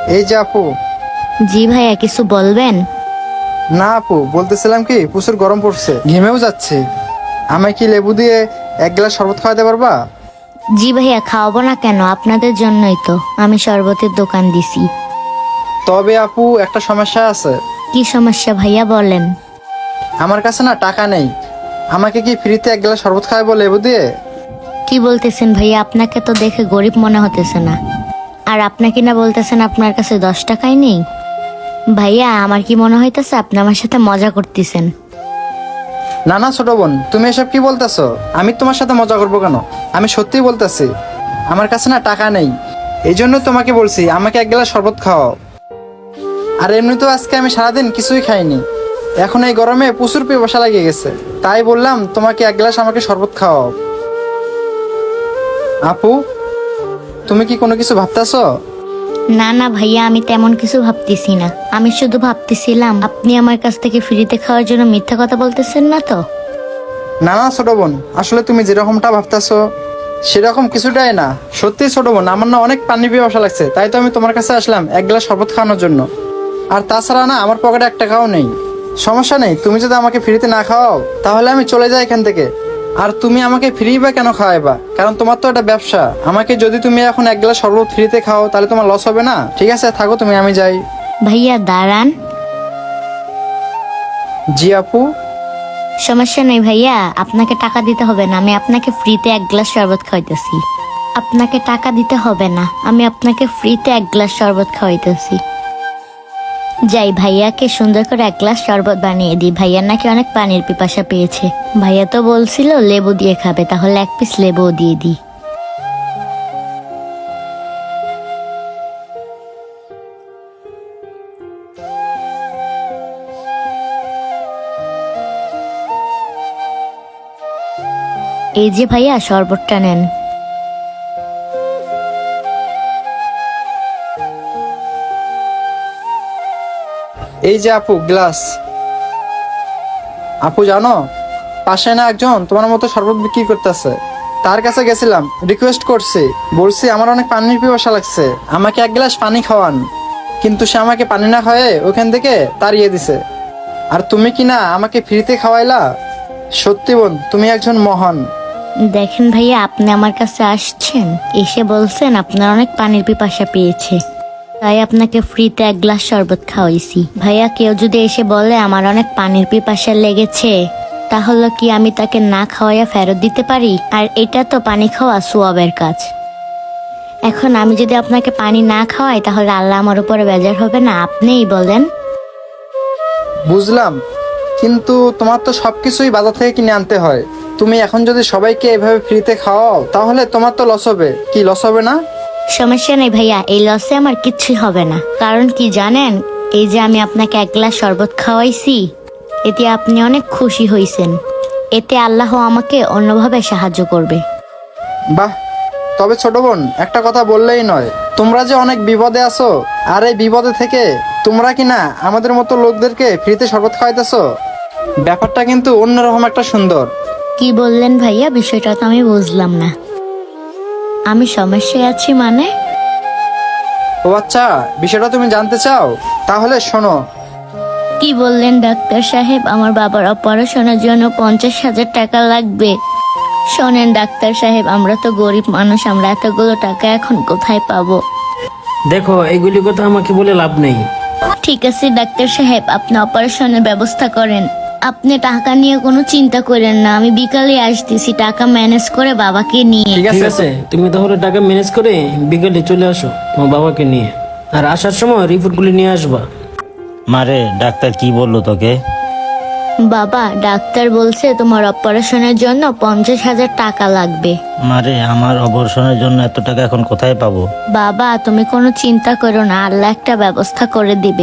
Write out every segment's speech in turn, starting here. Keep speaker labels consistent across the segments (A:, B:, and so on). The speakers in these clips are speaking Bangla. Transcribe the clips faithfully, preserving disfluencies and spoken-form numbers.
A: এই যে আপু।
B: জি ভাইয়া, কিছু বলবেন?
A: না আপু, বলতেছিলাম কি প্রচুর গরম পড়ছে, ঘেমেও যাচ্ছে। আমায় কি লেবু দিয়ে এক গ্লাস শরবত খাওয়াতে পারবা?
B: জি ভাইয়া, খাওয়াবো না কেন, আপনাদের জন্যই তো আমি শরবতের দোকান দিছি।
A: তবে আপু, একটা সমস্যা আছে।
B: কি সমস্যা ভাইয়া, বলেন।
A: আমার কাছে না টাকা নেই। আমাকে কি ফ্রিতে এক গ্লাস শরবত খাওয়াবো লেবু দিয়ে?
B: কি বলতেছেন ভাইয়া, আপনাকে তো দেখে গরিব মনে হতেছে না। আর আপনাকে না বলতেছেন আপনার কাছে দশ টাকাই নেই। ভাইয়া, আমার কি মনে হইতেছে আপনি আমার সাথে মজা করতেছেন।
A: না না ছোট বোন, তুমি এসব কি বলতেছো? আমি তোমার সাথে মজা করবো কেন? আমি সত্যিই বলতেছি, আমার কাছে না টাকা নেই। এই জন্য তোমাকে বলছি আমাকে এক গ্লাস শরবত খাওয়াও। আর এমনিতেও আজকে আমি সারাদিন কিছুই খাইনি। এখন এই গরমে প্রচুর পিপাসা লাগিয়ে গেছে, তাই বললাম তোমাকে এক গ্লাস আমাকে শরবত খাওয়াও। আপু, তুমি কি কোনো কিছু ভাবতেছো?
B: না না ভাইয়া, আমি তেমন কিছু ভাবতেছি না। আমি শুধু ভাবতেছিলাম আপনি আমার কাছ থেকে ফ্রিতে খাওয়ার জন্য মিথ্যা কথা বলতেছেন না তো।
A: না না ছোট বোন, আসলে তুমি যেরকমটা ভাবতেছো সেরকম কিছুটাই না। সত্যি ছোট বোন, আমার না অনেক পানি পিপাসা লাগছে, তাই তো আমি তোমার কাছে আসলাম এক গ্লাস শরবত খাওয়ানোর জন্য। আর তাছাড়া না, আমার পকেটে এক টাকাও নেই। সমস্যা নেই, তুমি যদি আমাকে ফ্রিতে না খাওয়াও তাহলে আমি চলে যাই এখান থেকে। আর তুমি আমাকে ফ্রি বা কেন খাওয়াইবা? কারণ তোমার তো এটা ব্যবসা। আমাকে যদি তুমি এখন এক গ্লাস শরবত ফ্রিতে খাও তাহলে তোমার লস হবে না? ঠিক আছে, থাকো তুমি, আমি যাই।
B: ভাইয়া দাঁড়ান।
A: জি আপু।
B: সমস্যা নেই ভাইয়া, আপনাকে টাকা দিতে হবে না, আমি আপনাকে ফ্রিতে এক গ্লাস শরবত খাওয়াইতেছি। আপনাকে টাকা দিতে হবে না, আমি আপনাকে ফ্রিতে এক গ্লাস শরবত খাওয়াইতেছি। যাই ভাইয়াকে সুন্দর করে এক গ্লাস শরবত বানিয়ে দিই। ভাইয়ার নাকি অনেক পানির পিপাসা পেয়েছে। ভাইয়া তো বলছিল লেবু দিয়ে খাবে, তাহলে এক পিস লেবুও দিয়ে দিই। এই যে ভাইয়া, শরবতটা নেন।
A: এই যে আপু, গ্লাস। আপু জানো, পাশে না একজন তোমার মতো শরবত বিক্রি করতেছে। তার কাছে গেছিলাম, রিকোয়েস্ট করছি, বলছি আমার অনেক পানির পিপাসা লাগছে, আমাকে এক গ্লাস পানি খাওয়ান। কিন্তু সে আমাকে পানি না খাওয়ায় ওখান থেকে তাড়িয়ে দিছে। আর তুমি কি না আমাকে ফ্রিতে খাওয়াইলা? সত্যি বোন, তুমি একজন মহান।
B: দেখেন ভাইয়া, আপনি আমার কাছে আসছেন, এসে বলছেন আপনার অনেক পানির পিপাসা পেয়েছে, তাই আপনাকে ফ্রিতে এক গ্লাস শরবত খাওয়াইছি। ভাইয়া, কেউ যদি এসে বলে আমার অনেক পানির পিপাসা লেগেছে, তাহলে কি আমি তাকে না খাওয়াইয়া ফেরত দিতে পারি? আর এটা তো পানি খাওয়া সোয়াবের কাজ। এখন আমি যদি আপনাকে পানি না খাওয়াই তাহলে আল্লাহ আমার উপরে বেজার হবে না? আপনিই বলেন।
A: বুঝলাম, কিন্তু তোমার তো সবকিছুই বাজার থেকে কিনে আনতে হয়। তুমি এখন যদি সবাইকে এভাবে ফ্রিতে খাওয়াও তাহলে তোমার তো লস হবে। কি লস হবে না?
B: সমস্যা নেই ভাইয়া, এই লসে আমার কিচ্ছুই হবে না। কারণ কি জানেন, এই যে আমি আপনাকে এক গ্লাস শরবত খাওয়াইছি, এতে আপনি অনেক খুশি হয়েছেন। এতে আল্লাহ আমাকে অন্যভাবে সাহায্য করবে।
A: বাহ, তবে ছোট বোন, একটা কথা বললেই নয়, তোমরা যে অনেক বিপদে আছো, আর এই বিপদে থেকে তোমরা কি না আমাদের মতো লোকদেরকে ফ্রিতে শরবত খাওয়াইতেছো। ব্যাপারটা কিন্তু অন্যরকম একটা সুন্দর।
B: কি বললেন ভাইয়া? বিষয়টা তো আমি বুঝলাম না। আমি সমস্যায় আছি মানে?
A: ও আচ্ছা, বিষয়টা তুমি জানতে চাও? তাহলে শোনো।
B: কি বললেন ডাক্তার সাহেব? আমার বাবার অপারেশনের জন্য পঞ্চাশ হাজার টাকা লাগবে। শোনেন ডাক্তার সাহেব, আমরা তো গরিব মানুষ, আমরা এতগুলো টাকা এখন কোথায় পাবো?
C: দেখো, এইগুলি কথা আমাকে বলে লাভ নেই।
B: ঠিক আছে ডাক্তার সাহেব, আপনি অপারেশনের ব্যবস্থা করেন। আপনি টাকা নিয়ে কোনো চিন্তা করেন না, আমি বিকালে আসতেছি টাকা ম্যানেজ করে বাবাকে নিয়ে।
A: ঠিক
C: ঠিক
A: আছে।
C: আছে, তুমি তাহলে টাকা ম্যানেজ করে বিকেলে চলে আসো তোমার বাবাকে নিয়ে। আর আসার সময় রিপোর্টগুলি নিয়ে আসবা।
D: মারে, ডাক্তার কি বললো তোকে?
B: বাবা, ডাক্তার বলছে তোমার অপারেশনের জন্য পঞ্চাশ হাজার টাকা লাগবে।
D: মারে, আমার অপারেশনের জন্য এত টাকা এখন কোথায় পাবো?
B: বাবা, তুমি কোনো চিন্তা করো না, আল্লাহ একটা ব্যবস্থা করে দিবে।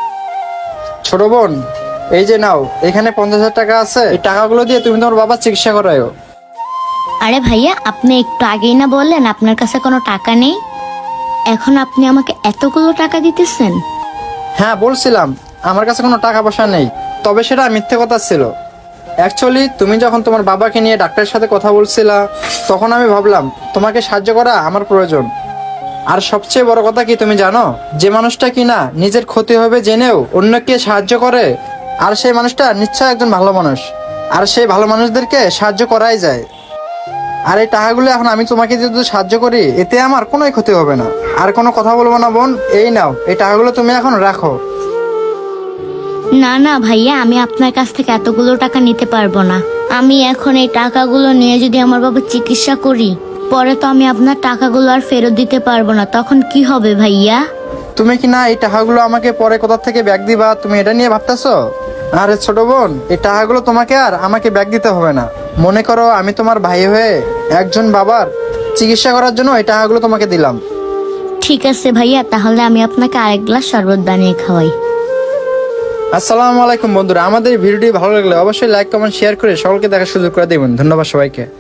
A: ছোট বোন, এই যে নাও, এখানে পঞ্চাশ হাজার টাকা আছে, এই টাকাগুলো দিয়ে তুমি তোমার বাবার চিকিৎসা করায়ো।
B: আরে ভাইয়া, আপনি একটু আগেই না বললেন আপনার কাছে কোনো টাকা নেই? এখন আপনি আমাকে এতগুলো টাকা দিতেছেন?
A: হ্যাঁ, বলছিলাম আমার কাছে কোনো টাকা পয়সা নেই, তবে সেটা মিথ্যে কথা ছিল। অ্যাকচুয়ালি তুমি যখন তোমার বাবাকে নিয়ে ডাক্তারের সাথে কথা বলছিলা, তখন আমি ভাবলাম তোমাকে সাহায্য করা আমার প্রয়োজন। আর সবচেয়ে বড় কথা কি তুমি জানো, যে মানুষটা কিনা নিজের ক্ষতি হবে জেনেও অন্যকে সাহায্য করে, আর সেই মানুষটা নিশ্চয় একজন ভালো মানুষ, আর সেই ভালো মানুষদেরকে সাহায্য করাই যায়। আর এই টাকাগুলো এখন আমি তোমাকে যদি সাহায্য করি, এতে আমার কোনো ক্ষতি হবে না। আর কোনো কথা বলবো না বোন, এই নাও, এই টাকাগুলো তুমি এখন রাখো।
B: না না ভাইয়া, আমি আপনার কাছ থেকে এতগুলো টাকা নিতে পারবো না। আমি এখন এই টাকাগুলো নিয়ে যদি আমার বাবা চিকিৎসা করি, পরে তো আমি আপনার টাকাগুলো আর ফেরত দিতে পারবো না, তখন কি হবে ভাইয়া?
A: তুমি কি না এই টাকাগুলো আমাকে পরে কোথা থেকে ব্যাগ দিবা, তুমি এটা নিয়ে ভাবতেছো? আরে ছোট বোন, এই টাকাগুলো তোমাকে আর আমাকে ব্যাগ দিতে হবে না। মনে করো আমি তোমার ভাই হয়ে একজন বাবার চিকিৎসা করার জন্য এই টাকাগুলো তোমাকে দিলাম।
B: ঠিক আছে ভাইয়া, তাহলে আমি আপনাকে আরেক গ্লাস শরবত বানিয়ে খাওয়াই।
A: আসসালামু আলাইকুম বন্ধুরা, আমাদের এই ভিডিওটি ভালো লাগলে অবশ্যই লাইক কমেন্ট শেয়ার করে সকলকে দেখার সুযোগ করে দেবেন। ধন্যবাদ সবাইকে।